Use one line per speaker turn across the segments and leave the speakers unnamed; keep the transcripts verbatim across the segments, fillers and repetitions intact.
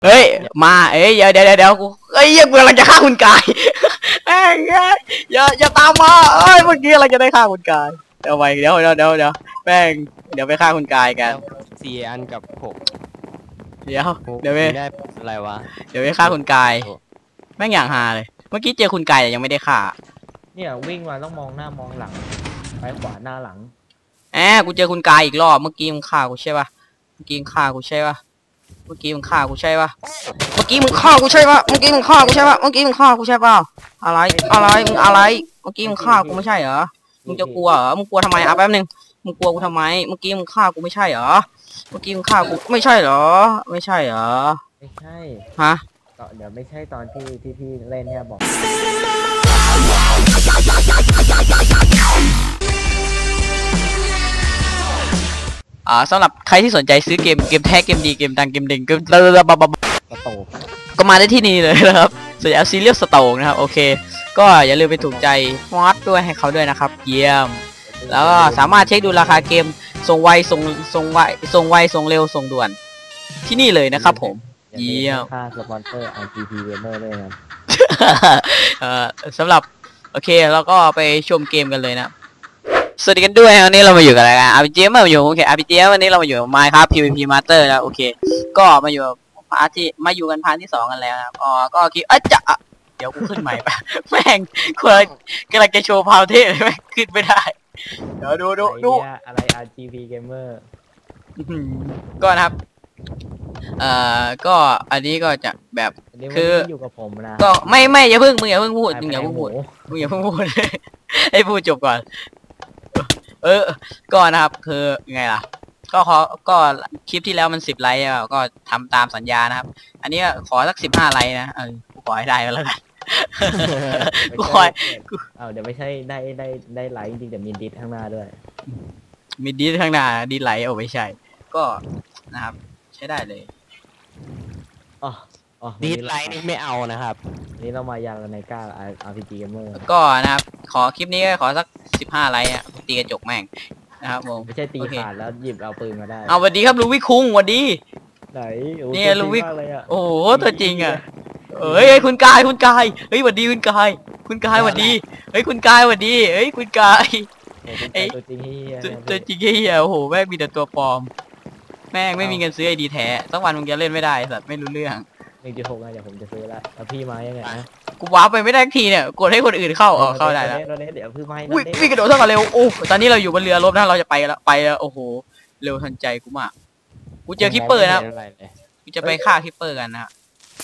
เฮ้ยมาเอ้ยเดี๋ยวเดี๋ยวเดี๋ยวกูเอ้ยกูกำลังจะฆ่าคุณกายเอ้ยอย่าอย่าตามมาเอ้ยเมื่อกี้เราจะได้ฆ่าคุณกายเดี๋ยวไปเดี๋ยวเดี๋ยวเดี๋ยวเดี๋ยวแป้งเดี๋ยวไปฆ่าคุณกายกัน
สี่อันกับหก
เดี๋ยวเดี๋ยวไป
ได้อะไรวะ
เดี๋ยวไปฆ่าคุณกายแม่งอย่างฮาเลยเมื่อกี้เจอคุณกายแต่ยังไม่ได้ฆ่า
เนี่ยวิ่งมาต้องมองหน้ามองหลังไปขวาหน้าหลัง
แอบกูเจอคุณกายอีกรอบเมื่อกี้มึงฆ่ากูใช่ป่ะเมื่อกี้มึงฆ่ากูใช่ป่ะเมื่อกี้มึงฆ่ากูใช่ป่ะเมื่อกี้มึงฆ่ากูใช่ป่ะเมื่อกี้มึงฆ่ากูใช่ป่ะเมื่อกี้มึงฆ่ากูใช่ป่ะอะไรอะไรมึงอะไรเมื่อกี้มึงฆ่ากูไม่ใช่เหรอมึงจะกลัวเหรอมึงกลัวทำไมอ่ะแป๊บนึงมึงกลัวกูทำไมเมื่อกี้มึงฆ่ากูไม่ใช่เหรอเมื่อกี้มึงฆ่ากูไม่ใช่เหรอไม่ใช่เหรอ
ไม่ใช่
ฮะ
เดี๋ยวไม่ใช่ตอนที่ที่พี่เล่นเนี่ยบอก
อ่าสำหรับใครที่สนใจซื้อเกมเกมแท้เกมดีเกมดังเกมเด่งเกมระระบบ
สโตก
ก็มาได้ที่นี่เลยนะครับส่วนเอาซีเรียลสโตกนะครับโอเคก็อย่าลืมไปถูกใจมอดด้วยให้เขาด้วยนะครับเยี่ยมแล้วก็สามารถเช็คดูราคาเกมส่งไวส่งส่งไวส่งไวส่งเร็วส่งด่วนที่นี่เลยนะครับผมเยี่ยม
ค่าสปอนเซอร์ อาร์ จี พี Gamer ด้วยนะ
เอ่อสำหรับโอเคแล้วก็ไปชมเกมกันเลยนะสวัสดีกันด้วยวันนี้เรามาอยู่กับอะไรกัน อาร์ พี จี มาอยู่โอเค อาร์ พี จี วันนี้เรามาอยู่ Minecraft พี วี พี Master นะโอเคก็มาอยู่พาร์ทที่มาอยู่กันพาร์ทที่สองกันแล้วนะอ๋อก็คิดเอ๊ะจะเดี๋ยวกูขึ้นใหม่ปะแม่งกูกำลังจะโชว์พาวเทสเลยแม่งขึ้นไม่ได้เดี๋ยวดูดูดู
อะไร อาร์ จี พี Gamer
ก็นะครับเอ่อก็อันนี้ก็จะแบบคือ
อยู่กับผมนะ
ก็ไม่ไม่อย่าเพิ่งมึงอย่าเพิ่งพูดมึงอย่าเพิ่งพูดมึงอย่าเพิ่งพูดให้พูดจบก่อนเออก็นะครับคือไงล่ะก็ขอก็คลิปที่แล้วมันสิบไลค์ก็ทำตามสัญญานะครับอันนี้ขอสักสิบห้าไลค์นะเออกูขอให้ได้ก็แล้วกันกูขอ
เอาเดี๋ยวไม่ใช่ได้ได้ได้ไลค์จริงแต่มีดิสข้างหน้าด้วย
มีดิสข้างหน้าดิสไลค์โอ้ไม่ใช่ก็นะครับใช้ได้เลย
อ๋ออ๋อ
ดิสไลค์นี่ไม่เอานะครับ
นี่เรามายาลาไนก้า อาร์ พี จี Gamer
ก็นะครับขอคลิปนี้ขอสักสิบห้าไลค์อ่ะตีกระจกแม่งนะครับผม
ไม่ใช่ตีขาดแล้วหยิบเอาปืนมาได้
เอาสวัสดีครับลูวิคุงสวัสดี
ไหน
นี่ลูวิโอ้โหตัวจริงอ่ะเอ้ยคุณกายคุณกายเฮ้ยสวัสดีคุณกายคุณกายสวัสดีเฮ้ยคุณกายสวัสดีเฮ้ยคุณกาย
ไอ้ตัวจริงเฮีย
ตัวจริงเฮียโอ้โหแม่งมีแต่ตัวปลอมแม่งไม่มีเงินซื้อไอดีแท้สักวันมึงจะเล่นไม่ได้สัตว์ไม่รู้เรื่อง
หนึ่งจุดหกนะเดี๋ยวผมจะซื้อละแล้วพี่มายังไงนะ
กูว้าไปไม่ได้ทีเนี่ยกดให้คนอื่นเข้าเออเข้าได้แล้ว
เดี๋ยวพี่มา
วิ่งวิ่งกระโดดเท่ากันเร็วโอ้ตอนนี้เราอยู่บนเรือรบนะเราจะไปแล้วไปแล้วโอ้โหเร็วทันใจกูมากกูเจอคิปเปอร์นะกูจะไปฆ่าคิปเปอร์กันนะ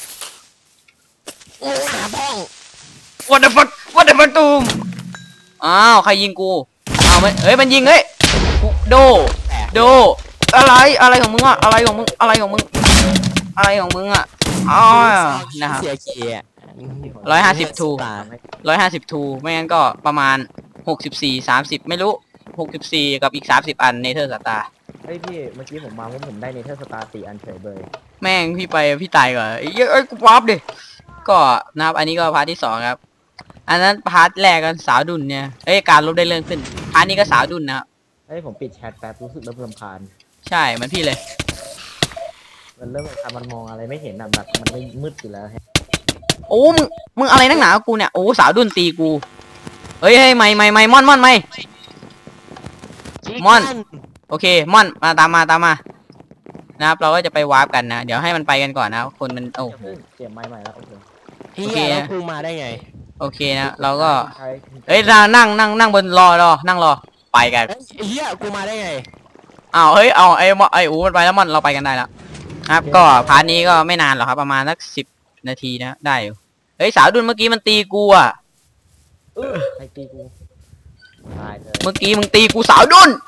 โอ้ขาบ้อง
What the fuck What the fuck ตูมอ้าวใครยิงกูอ้าวมันเฮ้ยมันยิงเฮ้ยโดโดอะไรอะไรของมึงอะอะไรของมึงอะไรของมึงอะไรของมึงอะอ๋อนะครับร้อยห้าสิบทูร้อยห้าสิบทูไม่งั้นก็ประมาณหกสิบสี่สามสิบไม่รู้หกสิบสี่กับอีกสามสิบอันเนเธอร์สตาร์
เฮ้ยพี่เมื่อกี้ผมมาว่าผมได้เนเธอร์สตาร์สี่อันเฉยเลย
แม่งพี่ไปพี่ตายก่อนเอ้ยเอ้ยกูวับดิก็นะครับอันนี้ก็พาร์ทที่สองครับอันนั้นพาร์ทแรกกันสาวดุนเนี่ยเอ้ยการลบได้เรื่องขึ้นพาร์ทนี้ก็สาวดุนนะครับ
เฮ้ยผมปิดแชทแป๊บรู้สึกเริ่มรำคาญ
ใช่เหมือนพี่เลย
มันเริ่มทำมันมองอะไรไม่เห็นอ่ะแบบมันไม่มืดอยู่แล้ว
โอ้มึงมึงอะไรนักหนากูเนี่ยโอ้สาวดุนตีกูเฮ้ยเฮ้ยไม่ไม่ไม่ม่อนม่อนไม่ม่อนโอเคม่อนมาตามมาตามมานะครับเราก็จะไปวาร์ปกันนะเดี๋ยวให้มันไปกันก่อนนะคนมันโอ้โห
เปลี่ยนไม้ใหม่แล้วโอเค
โอเคนะกูมาได้ไง
โอเคนะเราก็เฮ้ยนั่งนั่งนั่งนั่งบนรอรอนั่งรอไปกัน
เฮียกูมาได้ไง
อ้าวเฮ้ยเอาไอ้ไอ้อูมันไปแล้วมันเราไปกันได้แล้วครับก็พาร์ทนี้ก็ไม่นานหรอกครับประมาณสักสิบนาทีนะได้อยู่เฮ้ยสาวดุนเมื่อกี้มันตีกูอ่ะ
เออใครตีกูตายเลย
เมื่อกี้มึงตีกูสาวดุน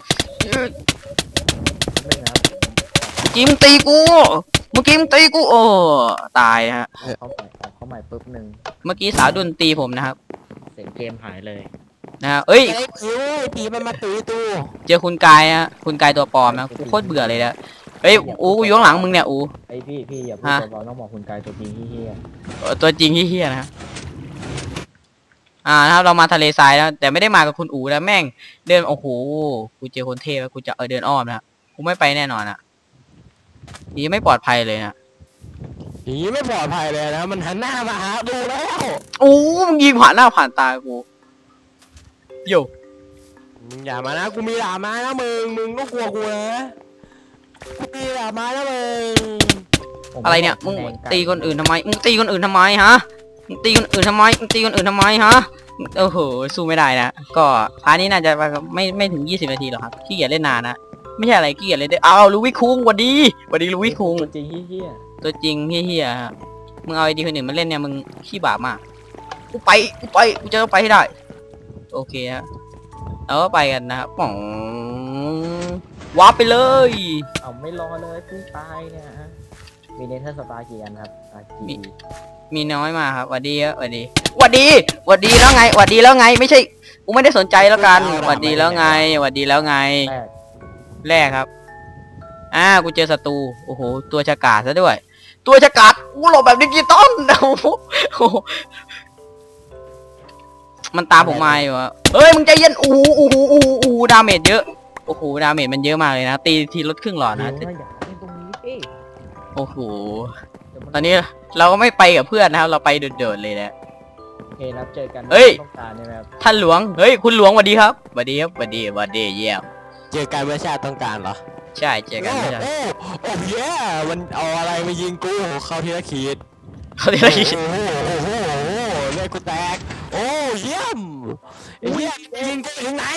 ไม่นะ
เมื่อกี้มึงตีกูเมื่อกี้มึงตีกูโอ้ตายฮะ
เขาใหม่เขาใหม่ปุ๊บหนึ่ง
เมื่อกี้สาวดุนตีผมนะครับ
เสียงเกมหายเลย
นะเอ้ย
ตีมันมาตีตู้
เจอคุณกายอะคุณกายตัวปลอมนะกูโคตรเบื่อเลยนะเฮ้ยอูกูอยู่ข้างหลังมึงเนี่ยอู
ไอพี่พี่อย่าพูดตัวต้องบอกคุณกายตัวจริงเฮี้ย
ตัวจริงเฮี้ยนะอ่านะครับเรามาทะเลทรายแล้วแต่ไม่ได้มากับคุณอูนะแม่งเดินโอ้โหกูเจอคนเทพแล้วกูจะเออเดินอ้อมนะกูไม่ไปแน่นอนอ่ะนี่ไม่ปลอดภัยเลยนะ
อย่างนี้ไม่ปลอดภัยเลยนะมันหันหน้ามาหาดูแล้ว
โอ้มึงยิงผ่านหน้าผ่านตากูโย
มึงอย่ามานะกูมีดาบไม้นะมึงมึงต้องกลัวกูนะกูมีดาบไม้นะมึง
อะไรเนี่ยมึงตีคนอื่นทำไมมึงตีคนอื่นทำไมฮะมึงตีคนอื่นทำไมมึงตีคนอื่นทำไมฮะโอ้โหสู้ไม่ได้นะก็พาร์ทนี้น่าจะไม่ไม่ถึงยี่สิบนาทีหรอกครับขี้เกียจเล่นนานนะไม่ใช่อะไรขี้เกียจเล่นได้เอาลูวิคุงวันดีวันดีลูวิคุง
จริงเฮี้ย
ตัวจริงเฮี้ยๆมึงเอาไอดีคนอื่นมาเล่นเนี่ยมึงขี้บาปมากกูไปกูไปกูจะต้องไปให้ได้โอเคฮะเอาไปกันนะครับป๋องวาร์ปไปเลย
เอาไม่รอเลยเพิ่งตายเนี่ยฮะมีเนเธอร์สตาร์กี่อันครับอ่ะกี่
มีน้อยมาครับหวัดดีครับหวัดดีหวัดดีหวัดดีแล้วไงหวัดดีแล้วไงไม่ใช่กูไม่ได้สนใจแล้วกันหวัดดีแล้วไงหวัดดีแล้วไง
แรก
แรกครับอ่ากูเจอศัตรูโอ้โหตัวฉกาจซะด้วยตัวฉกาจกูหลบแบบดิจิตอลโอ้โหมันตามผมมาอยู่อะเฮ้ยมึงใจเย็นโอ้โหโอ้โหโอ้โหโอ้โหดาเมจเยอะโอ้โหดาเมจมันเยอะมากเลยนะตีทีลดครึ่งหลอดนะ
เดี๋ยวอย่าเล่นตรงนี้เอ้ย
โอ้โห
เดี๋ยวมั
ตอนนี้เราก็ไม่ไปกับเพื่อนนะครับเราไปโดดๆเลยนะ
โอเคนะครับเจอกัน
เฮ้ย
ต้องการใช่ไหมครับ
ท่านหลวงเฮ้ยคุณหลวงสวัสดีครับสวัสดีครับสวัสดีสวัสดีเยี่ยม
เจอกันเมื่อชาติต้องการเหรอ
ใช่เจอกันไม่ใช่
โอ้โอ้เย้มันเอาอะไรมายิงกูเข้าทีละขีด
เขาเรียกอะไร
โอ้โหโอ้โหโอ้โหเลือดกูแตกโอ้เยี่ยมเยี่ยมยิงกูถึงไหน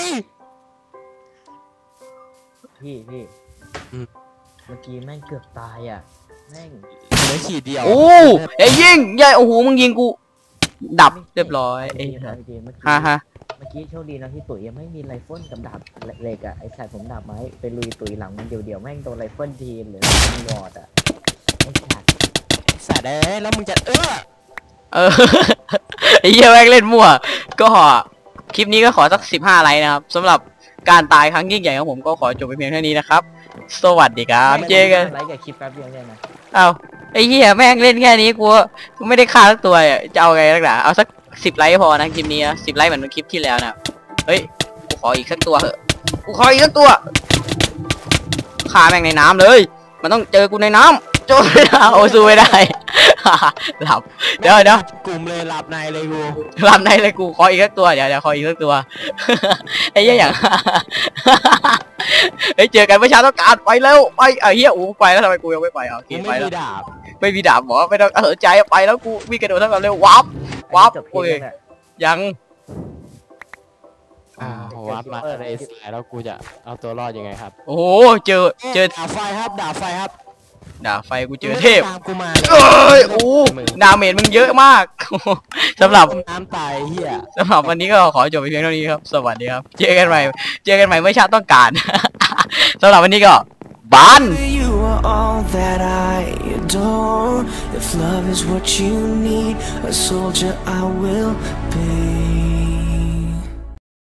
พี่พี่
อืม
เมื่อกี้แม่งเกือบตายอ่ะแม่ง
เหลือขีดเดียว
โอ้ไอ้ยิงใหญ่โอ้โหมึงยิงกูดับเรียบร้อยไอ้
เมื่อกี้เมื่อกี้
ฮ่าฮ่า
เมื่อกี้โชคดีนะที่ตุ๋ยยังไม่มีไรเฟิลกับดาบเหล็กอ่ะไอ้สายผมดาบไม้ไปลุยตุ๋ยหลังมันเดียวๆแม่งโดนไรเฟิลทีมหรือมันวอดอ่ะไอ้สัตว์
สัตว์เอ้ยแล้วมึงจะเออ
เออ ไอ้เหี้ยแม่งเล่นมั่วก็คลิปนี้ก็ขอสักสิบห้าไลค์นะครับสำหรับการตายครั้งยิ่งใหญ่ของผมก็ขอจบไปเพียงเท่านี้นะครับสวัสดีครับเจอกัน
ไลค์กับคลิปแป๊บเดียวเนี่ยนะ
เอาไอ้เหี้ยแม่งเล่นแค่นี้กูกูไม่ได้ฆ่าสักตัวอ่ะจะเอาไงนักหนาเอาสักสิบไลค์พอนะคลิปนี้สิบไลค์เหมือนคลิปที่แล้วนะเฮ้ยกูขออีกสักตัวเถอะกูขออีกสักตัวฆ่าแม่งในน้ำเลยมันต้องเจอกูในน้ำโจไม่ได้โอ้สู้ไม่ได้ หลับเดี๋ยวเดี๋ยว
กลุ่มเลยหลับในเลยกู
หลับในเลยกูขออีกสักตัวเดี๋ยวเดี๋ยวขออีกสักตัว ไอ้เหี้ยอย่าง เฮ้ยเจอกันเมื่อเช้าต้องการไปแล้วไปไอ้เหี้ยอู้ไปแล้วทำไมกูยังไม่ไปอ่ะโอเค
กู
ไป
ไม่
แล้ว
มีดาบ
ไม่มีดาบหมอไม่ต้องสนใจไปแล้วกูวิ่งกระโดดเท่ากันเร็ววับวับ
จบคลิ
โอ้
ป
ย
แล้วเนี่ย
ยัง
อ่าวัดมาในสายแล้วกูจะเอาตัวรอดยังไงครับ
โอ้โหเจอเจอ
ดาบไฟครับดาบไฟครับ
ดาบไฟกูเจอเทพ
ตามกูมา
เอ้ยโอ้ดาเมจมึงเยอะมาก สำหรับ
น้ำตายเฮีย
สำหรับวันนี้ก็ขอจบไปเพียงเท่านี้ครับสวัสดีครับเจอกันใหม่เจอกันใหม่เมื่อชาติต้องการ สำหรับวันนี้ก็บาน
You are all that I adore. If love is what you need, a soldier I will be.